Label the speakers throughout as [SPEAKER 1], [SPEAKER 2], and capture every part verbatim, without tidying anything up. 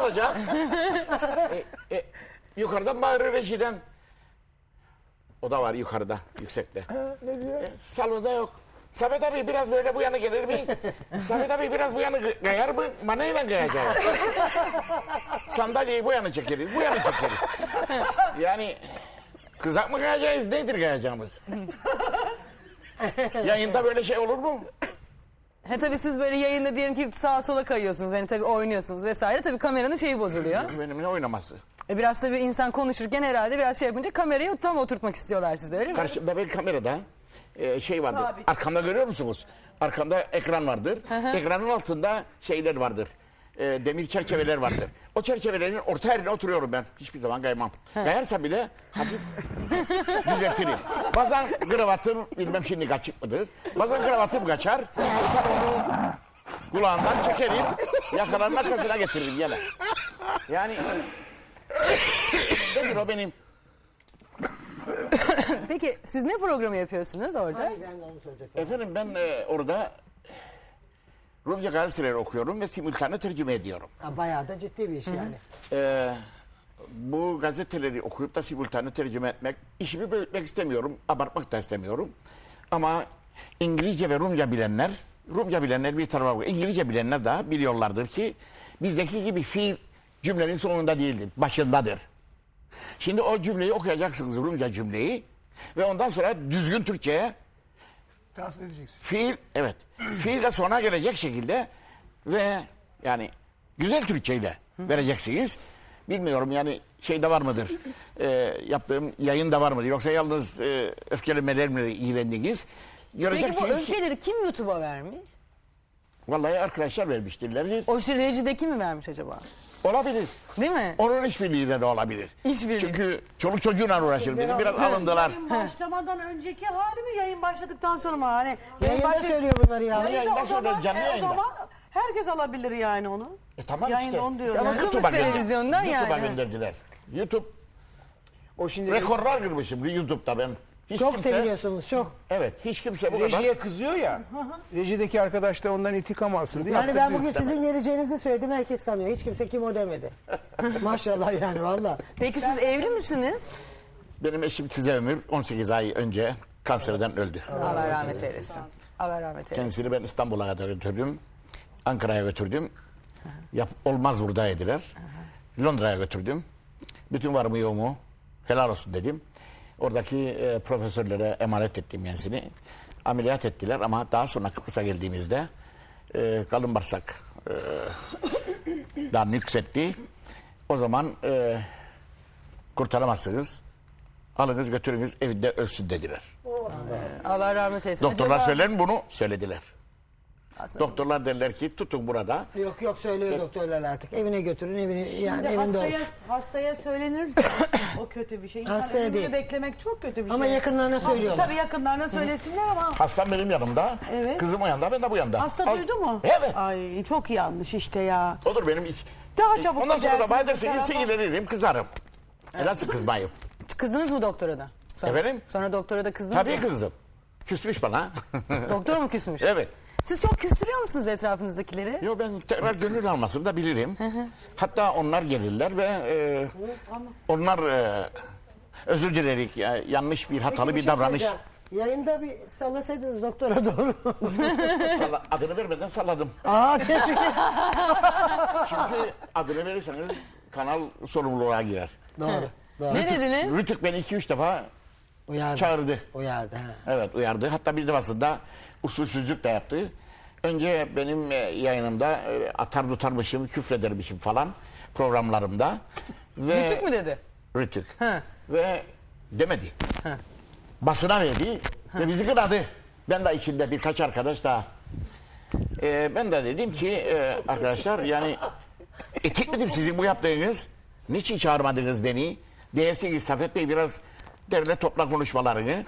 [SPEAKER 1] olacak? e, e, yukarıdan bağırır rejiden. O da var yukarıda, yüksekte.
[SPEAKER 2] Ha, ne diyor?
[SPEAKER 1] E, salonda yok. Samet abi biraz böyle bu yana gelir mi? Samet abi biraz bu yana kayar mı? Manayla kayacağız. Sandalyeyi bu yana çekeriz, bu yana çekeriz. Yani kızak mı kayacağız, nedir kayacağımız? Yayında böyle şey olur mu?
[SPEAKER 3] He tabii siz böyle yayında diyelim ki sağa sola kayıyorsunuz. Hani tabii oynuyorsunuz vesaire. Tabii kameranın şeyi bozuluyor.
[SPEAKER 1] Benimle oynaması.
[SPEAKER 3] E biraz tabii insan konuşurken herhalde biraz şey yapınca kamerayı tam oturtmak istiyorlar size öyle mi?
[SPEAKER 1] Karşımda bir kamerada e, şey vardır.
[SPEAKER 4] Sabit.
[SPEAKER 1] Arkamda görüyor musunuz? Arkamda ekran vardır. Ekranın altında şeyler vardır. E, demir çerçeveler vardır. O çerçevelerin orta yerine oturuyorum ben. Hiçbir zaman kaymam. Kayarsam bile hafif düzeltirim. Bazen kravatım bilmem şimdi kaçık mıdır. Bazen kravatım kaçar. Tutar onu kulağından çekerim. Yakaların arkasına getiririm yine. Yani nedir o benim?
[SPEAKER 3] Peki siz ne programı yapıyorsunuz orada?
[SPEAKER 2] Ay, ben de onu soracaktım.
[SPEAKER 1] Efendim ben e, orada Rumca gazeteleri okuyorum ve simultane tercüme ediyorum.
[SPEAKER 2] Ha, bayağı da ciddi bir iş yani.
[SPEAKER 1] E, bu gazeteleri okuyup da simultane tercüme etmek, işimi büyütmek istemiyorum, abartmak da istemiyorum. Ama İngilizce ve Rumca bilenler, Rumca bilenler bir tarafa bakıyor. İngilizce bilenler de biliyorlardır ki bizdeki gibi fiil cümlenin sonunda değildir, başındadır. Şimdi o cümleyi okuyacaksınız, Rumca cümleyi ve ondan sonra düzgün Türkçe'ye
[SPEAKER 5] Tahsil edeceksin.
[SPEAKER 1] fiil, evet, fiil de sona gelecek şekilde ve yani güzel Türkçeyle vereceksiniz. Bilmiyorum yani şeyde var mıdır, e, yaptığım yayında var mıdır, yoksa yalnız e, öfkelemelerle ilgilendiniz.
[SPEAKER 3] Peki bu
[SPEAKER 1] Göreceksiniz ki,
[SPEAKER 3] öfkeleri kim YouTube'a vermiş?
[SPEAKER 1] vallahi arkadaşlar vermiştirler.
[SPEAKER 3] O şey rejideki mi vermiş acaba?
[SPEAKER 1] Olabilir.
[SPEAKER 3] Değil mi?
[SPEAKER 1] Onun işbirliğiyle de olabilir.
[SPEAKER 3] İşbirliği.
[SPEAKER 1] Çünkü çoluk çocuğuyla uğraşır. Benim biraz alındılar.
[SPEAKER 4] Yayın başlamadan önceki hali mi, yayın başladıktan sonra mı? Hani yayın
[SPEAKER 2] Yayında
[SPEAKER 4] başla-
[SPEAKER 2] söylüyor bunları ya.
[SPEAKER 4] Yayında
[SPEAKER 1] Yayında
[SPEAKER 4] o zaman,
[SPEAKER 1] söylüyor, canlı
[SPEAKER 4] e, o
[SPEAKER 1] yayında.
[SPEAKER 4] zaman herkes alabilir yani onu.
[SPEAKER 1] E tamam
[SPEAKER 4] Yayında
[SPEAKER 1] işte.
[SPEAKER 4] onu diyorum.
[SPEAKER 3] Ama
[SPEAKER 4] yani.
[SPEAKER 3] Kıbrıs
[SPEAKER 1] YouTube'a gönder-
[SPEAKER 3] televizyondan
[SPEAKER 1] YouTube'a
[SPEAKER 3] yani.
[SPEAKER 1] gönderdiler. YouTube
[SPEAKER 5] O şimdi
[SPEAKER 1] rekorlar kırmışım YouTube'da ben. Hiç
[SPEAKER 2] Çok
[SPEAKER 1] kimse,
[SPEAKER 2] seviliyorsunuz çok.
[SPEAKER 1] Evet, hiç kimse bu kadar.
[SPEAKER 5] rejiye kızıyor ya. Rejideki arkadaş da ondan intikam alsın diye.
[SPEAKER 2] Yani ben
[SPEAKER 5] kızıyor.
[SPEAKER 2] bugün sizin geleceğinizi söyledim, herkes tanıyor. Hiç kimse kim o demedi. Maşallah yani valla.
[SPEAKER 3] Peki siz evli misiniz?
[SPEAKER 1] Benim eşim size ömür on sekiz ay önce kanserden öldü.
[SPEAKER 3] Allah rahmet eylesin. Allah rahmet eylesin.
[SPEAKER 1] Kendisini ben İstanbul'a kadar götürdüm. Ankara'ya götürdüm. Yap, olmaz burada dediler. Londra'ya götürdüm. Bütün varımı yoğumu helal olsun dedim. Oradaki e, profesörlere emanet ettim kendisini. Ameliyat ettiler ama daha sonra Kıbrıs'a geldiğimizde e, kalın bağırsak e, daha nüksetti. O zaman e, kurtaramazsınız. Alınız götürünüz evinde ölsün dediler.
[SPEAKER 3] Allah rahmet eylesin.
[SPEAKER 1] Doktorlar
[SPEAKER 3] Acaba-
[SPEAKER 1] söyler mi bunu? Söylediler.
[SPEAKER 3] Aslında-
[SPEAKER 1] Doktorlar derler ki tutun burada.
[SPEAKER 2] Yok yok söylüyor doktorlar artık. Evine götürün, evine yani
[SPEAKER 4] Şimdi
[SPEAKER 2] evinde
[SPEAKER 4] hastaya,
[SPEAKER 2] olsun.
[SPEAKER 4] hastaya söylenirse o kötü bir şey. İnsan
[SPEAKER 2] Hastaya
[SPEAKER 4] ölümünü
[SPEAKER 2] değil.
[SPEAKER 4] beklemek çok kötü bir şey.
[SPEAKER 2] Ama yakınlarına
[SPEAKER 4] Hasta-
[SPEAKER 2] söylüyorlar.
[SPEAKER 4] Tabii yakınlarına söylesinler ama
[SPEAKER 1] Hastam benim yanımda.
[SPEAKER 4] Evet.
[SPEAKER 1] Kızım o yanda, ben de bu yanda.
[SPEAKER 4] hasta
[SPEAKER 1] Al-
[SPEAKER 4] duydu mu?
[SPEAKER 1] Evet.
[SPEAKER 4] Ay çok yanlış işte ya.
[SPEAKER 1] Odur benim iç.
[SPEAKER 4] Daha çabuk
[SPEAKER 1] Ondan sonra da
[SPEAKER 4] gidersin
[SPEAKER 1] bana
[SPEAKER 4] bu
[SPEAKER 1] dersiniz
[SPEAKER 4] tarafa.
[SPEAKER 1] sinirlenirim, kızarım. E nasıl kızmayayım?
[SPEAKER 3] Kızdınız mı doktora da? Sonra,
[SPEAKER 1] Efendim?
[SPEAKER 3] Sonra doktora da kızdınız
[SPEAKER 1] Tabii
[SPEAKER 3] mı?
[SPEAKER 1] kızdım. Küsmüş bana.
[SPEAKER 3] Doktor mu küsmüş?
[SPEAKER 1] Evet.
[SPEAKER 3] Siz çok küstürüyor musunuz etrafınızdakileri?
[SPEAKER 1] Yo, ben tekrar gönül almasını da bilirim. Hatta onlar gelirler ve e, onlar e, özür dilerik, ya, yanlış bir hatalı
[SPEAKER 2] Peki,
[SPEAKER 1] bir
[SPEAKER 2] şey
[SPEAKER 1] davranış.
[SPEAKER 2] söyleyeceğim. Yayında bir sallasaydınız doktora doğru.
[SPEAKER 1] Salla- adını vermeden salladım.
[SPEAKER 2] Aa tebrik.
[SPEAKER 1] Çünkü adını verirseniz kanal sorumluluğa girer.
[SPEAKER 2] Doğru. Doğru.
[SPEAKER 3] Ne dediniz?
[SPEAKER 1] Rütük beni iki üç defa
[SPEAKER 2] Uyardı.
[SPEAKER 1] çağırdı.
[SPEAKER 2] Uyardı. Ha.
[SPEAKER 1] Evet, uyardı. Hatta bir defasında usulsüzlük de yaptı. Önce benim e, yayınımda e, atar tutarmışım, küfredermişim falan programlarımda. Ve
[SPEAKER 3] Rütük mü dedi?
[SPEAKER 1] Rütük.
[SPEAKER 3] Ha.
[SPEAKER 1] Ve demedi. Basına verdi ve bizi kınadı. Ben de içinde birkaç arkadaş daha. E, ben de dedim ki e, arkadaşlar yani etik midir sizin bu yaptığınız? Niçin çağırmadınız beni? Değilsiniz Safet Bey biraz derle topla konuşmalarını.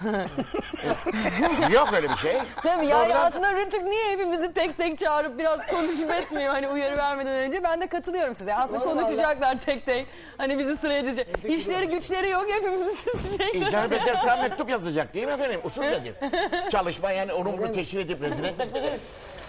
[SPEAKER 1] Yok öyle bir şey.
[SPEAKER 3] Tabii yani
[SPEAKER 1] Oradan-
[SPEAKER 3] aslında Rütük niye hepimizi tek tek çağırıp biraz konuşup etmiyor hani uyarı vermeden önce? Ben de katılıyorum size. Aslında konuşacaklar tek tek. Hani bizi sıraya edecek. İşleri güçleri yok hepimizi seçecekler.
[SPEAKER 1] İcap ederse mektup yazacak değil mi efendim? Usul nedir? Çalışma yani onu bunu teşhir edip rezil etmek midir?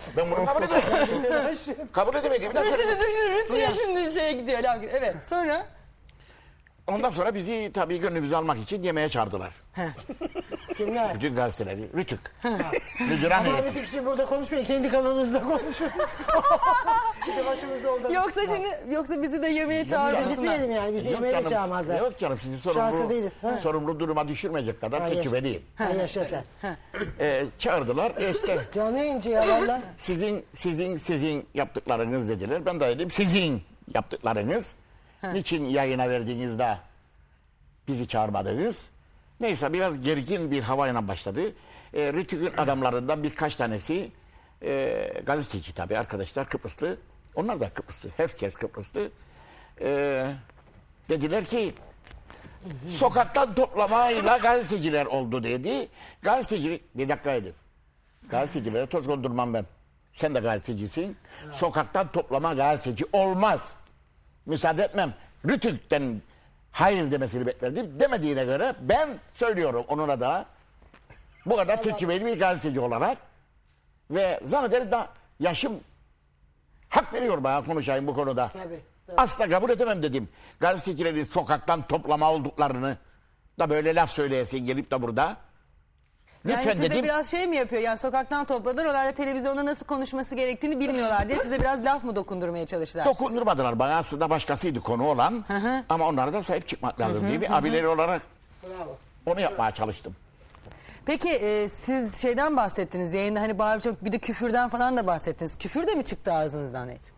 [SPEAKER 1] Ben bunu kabul edemedim. Kabul edemediğimi de
[SPEAKER 3] Düşünün
[SPEAKER 1] söyledim.
[SPEAKER 3] düşünün rütüye şimdi şeye gidiyor. laf gidiyor. Evet sonra.
[SPEAKER 1] Ondan sonra bizi tabii gönlümüzü almak için yemeğe çağırdılar.
[SPEAKER 2] Kimler?
[SPEAKER 1] Bütün gazeteleri. Rütük. Müdür hanım.
[SPEAKER 2] Ama Rütük için burada konuşmayın. Kendi kanalınızda konuşun. İşte başımızda orada.
[SPEAKER 3] Yoksa şimdi yoksa bizi de yemeğe çağırıyorsunlar.
[SPEAKER 2] Gitmeyelim yani. Bizi
[SPEAKER 1] Yok
[SPEAKER 2] yemeğe de
[SPEAKER 1] canım,
[SPEAKER 2] çağırmazlar.
[SPEAKER 1] yok canım sizi
[SPEAKER 2] Şanslı
[SPEAKER 1] sorumlu,
[SPEAKER 2] değiliz, ha?
[SPEAKER 1] sorumlu duruma düşürmeyecek kadar
[SPEAKER 2] Hayır.
[SPEAKER 1] tecrübeliyim.
[SPEAKER 2] Ha, yaşa sen.
[SPEAKER 1] Ee, çağırdılar. E işte
[SPEAKER 2] Canı yayıncı ya valla.
[SPEAKER 1] sizin sizin sizin yaptıklarınız dediler. Ben de dedim sizin yaptıklarınız. Niçin yayına verdiğinizde bizi çağırmadınız? Neyse biraz gergin bir havayla başladı. E, Rütük'ün adamlarından birkaç tanesi e, gazeteci tabii arkadaşlar Kıbrıslı. Onlar da Kıbrıslı. Herkes Kıbrıslı. E, dediler ki sokaktan toplamayla gazeteciler oldu dedi. Gazeteci bir dakika edin. Gazetecilere toz kondurmam ben. Sen de gazetecisin. Sokaktan toplama gazeteci olmaz. Müsaade etmem. Rütük'ten hayır demesini beklerdim. Demediğine göre ben söylüyorum onun adına. Bu kadar tecrübeli bir gazeteci olarak. Ve zannederim da yaşım hak veriyor bana konuşayım bu konuda.
[SPEAKER 2] Tabii, tabii.
[SPEAKER 1] Asla kabul edemem dedim. Gazetecilerin sokaktan toplama olduklarını da böyle laf söyleyesin gelip de burada.
[SPEAKER 3] Yani
[SPEAKER 1] Lütfen
[SPEAKER 3] size
[SPEAKER 1] dedim.
[SPEAKER 3] biraz şey mi yapıyor? Yani sokaktan topladılar. Onlar da televizyonda nasıl konuşması gerektiğini bilmiyorlar diye size biraz laf mı dokundurmaya çalıştılar?
[SPEAKER 1] Dokundurmadılar bana, aslında başkasıydı konu olan.
[SPEAKER 3] hı.
[SPEAKER 1] Ama onlara da sahip çıkmak lazım diye bir abileri olarak
[SPEAKER 2] Bravo.
[SPEAKER 1] onu yapmaya çalıştım.
[SPEAKER 3] Peki e, siz şeyden bahsettiniz yayında hani bağırıp çok bir de küfürden falan da bahsettiniz. Küfür de mi çıktı ağzınızdan hiç?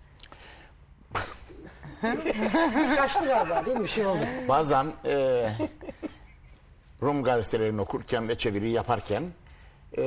[SPEAKER 2] Kaçtı galiba değil mi? Bir şey oldu.
[SPEAKER 1] Bazen e, Rum gazetelerini okurken ve çeviri yaparken e,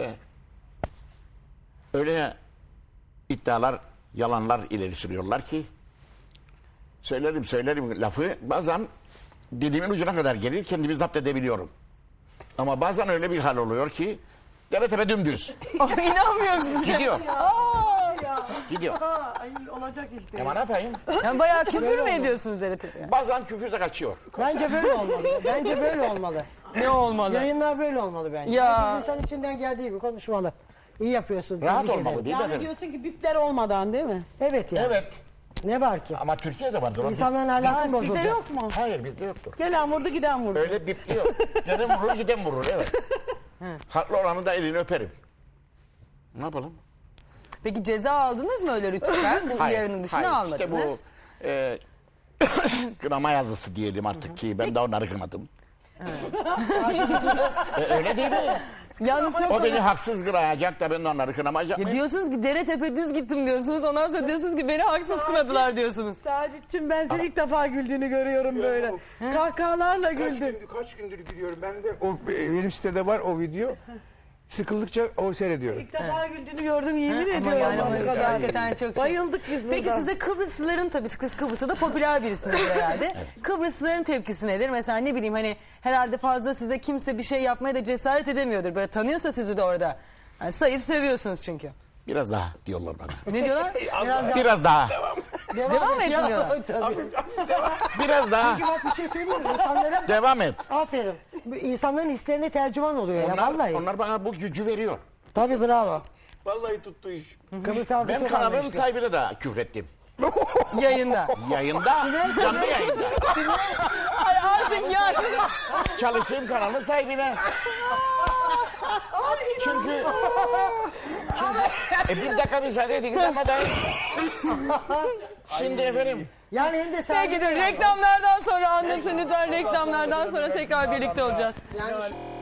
[SPEAKER 1] öyle iddialar, yalanlar ileri sürüyorlar ki söylerim söylerim lafı bazen dilimin ucuna kadar gelir, kendimi zapt edebiliyorum. Ama bazen öyle bir hal oluyor ki dere tepe dümdüz.
[SPEAKER 3] Ay, İnanmıyorum size.
[SPEAKER 1] Gidiyor.
[SPEAKER 3] Aa!
[SPEAKER 1] Gidiyor.
[SPEAKER 4] Aa, ay, olacak ilk.
[SPEAKER 1] Ama ne yapayım?
[SPEAKER 3] Yani bayağı küfür mü ediyorsunuz Dere Tepe'ye?
[SPEAKER 1] Bazen küfür de kaçıyor.
[SPEAKER 2] Bence böyle olmalı. Bence böyle olmalı.
[SPEAKER 3] Ne olmalı?
[SPEAKER 2] Yayınlar böyle olmalı bence.
[SPEAKER 3] Ya.
[SPEAKER 2] Herkes insan içinden geldiği gibi konuşmalı. İyi yapıyorsun.
[SPEAKER 1] Rahat
[SPEAKER 2] tebrik
[SPEAKER 1] olmalı
[SPEAKER 2] ederim.
[SPEAKER 1] değil mi
[SPEAKER 4] Yani
[SPEAKER 1] efendim?
[SPEAKER 4] diyorsun ki bipler olmadan değil mi?
[SPEAKER 2] Evet ya.
[SPEAKER 1] Evet.
[SPEAKER 2] Ne var ki?
[SPEAKER 1] Ama Türkiye'de vardır. o.
[SPEAKER 2] İnsanların
[SPEAKER 4] Ha,
[SPEAKER 2] ahlakı
[SPEAKER 4] sizde
[SPEAKER 2] bozulacak.
[SPEAKER 4] yok mu?
[SPEAKER 1] Hayır bizde yoktur.
[SPEAKER 4] Gelen vurdu giden vurdu.
[SPEAKER 1] Öyle bipliyor. Giden vurur giden vurur evet. Haklı olanı da elini öperim. Ne yapalım?
[SPEAKER 3] Peki ceza aldınız mı öyle rütükten? Bu uyarının dışına
[SPEAKER 1] hayır.
[SPEAKER 3] almadınız.
[SPEAKER 1] İşte bu e, kınama yazısı diyelim artık ki ben de onları kınadım. e, öyle değil mi?
[SPEAKER 3] Yalnız çok
[SPEAKER 1] O beni haksız kınayacak da ben de onları kınamayacak
[SPEAKER 3] Ya
[SPEAKER 1] mıyım?
[SPEAKER 3] diyorsunuz ki Dere Tepe düz gittim diyorsunuz. Ondan sonra diyorsunuz ki beni haksız kınadılar diyorsunuz.
[SPEAKER 4] Sacit'cim ben seni ilk defa güldüğünü görüyorum böyle. Kahkahalarla
[SPEAKER 5] Kaç,
[SPEAKER 4] güldün.
[SPEAKER 5] gündür, kaç gündür gülüyorum. Ben de o e, benim sitede var o video. Sıkıldıkça o seyrediyorum.
[SPEAKER 4] İlk defa güldüğünü gördüm yemin
[SPEAKER 3] Ama
[SPEAKER 4] ediyorum.
[SPEAKER 3] yani
[SPEAKER 4] bu
[SPEAKER 3] o
[SPEAKER 4] kadar.
[SPEAKER 3] hakikaten çok şey.
[SPEAKER 4] Bayıldık biz burada.
[SPEAKER 3] Peki size Kıbrıslıların tabii siz Kıbrıs'ta da popüler birisiniz herhalde. Kıbrıslıların tepkisi nedir? Mesela ne bileyim hani herhalde fazla size kimse bir şey yapmaya da cesaret edemiyordur. Böyle tanıyorsa sizi de orada. Yani sayıp seviyorsunuz çünkü.
[SPEAKER 1] Biraz daha diyorlar bana.
[SPEAKER 3] Ne diyorlar? Biraz daha.
[SPEAKER 1] Biraz daha.
[SPEAKER 3] Devam et
[SPEAKER 2] Ya,
[SPEAKER 3] diyorlar.
[SPEAKER 2] tabii.
[SPEAKER 1] Biraz daha.
[SPEAKER 2] Bak bir şey söyleyeyim mi? İnsanlara
[SPEAKER 1] Devam et.
[SPEAKER 2] aferin. Bu İnsanların hislerine tercüman oluyor ya
[SPEAKER 1] Onlar,
[SPEAKER 2] vallahi.
[SPEAKER 1] onlar bana bu gücü veriyor.
[SPEAKER 2] Tabii bravo.
[SPEAKER 5] Vallahi tuttu iş.
[SPEAKER 2] Kıbrıs halkı
[SPEAKER 1] Ben
[SPEAKER 2] çok
[SPEAKER 1] kanalın
[SPEAKER 2] anlayışlı.
[SPEAKER 1] sahibine de küfrettim.
[SPEAKER 3] Yayında.
[SPEAKER 1] Yayında, canlı yayında.
[SPEAKER 3] Ay artık ya.
[SPEAKER 1] Çalıştığım kanalın sahibine. Çünkü... çünkü e bir dakika müsaade edin ama da... Şimdi efendim...
[SPEAKER 2] Yani hem de
[SPEAKER 3] Peki dur reklamlardan sonra anlatın lütfen reklamlardan sonra tekrar birlikte olacağız.
[SPEAKER 2] Yani şu-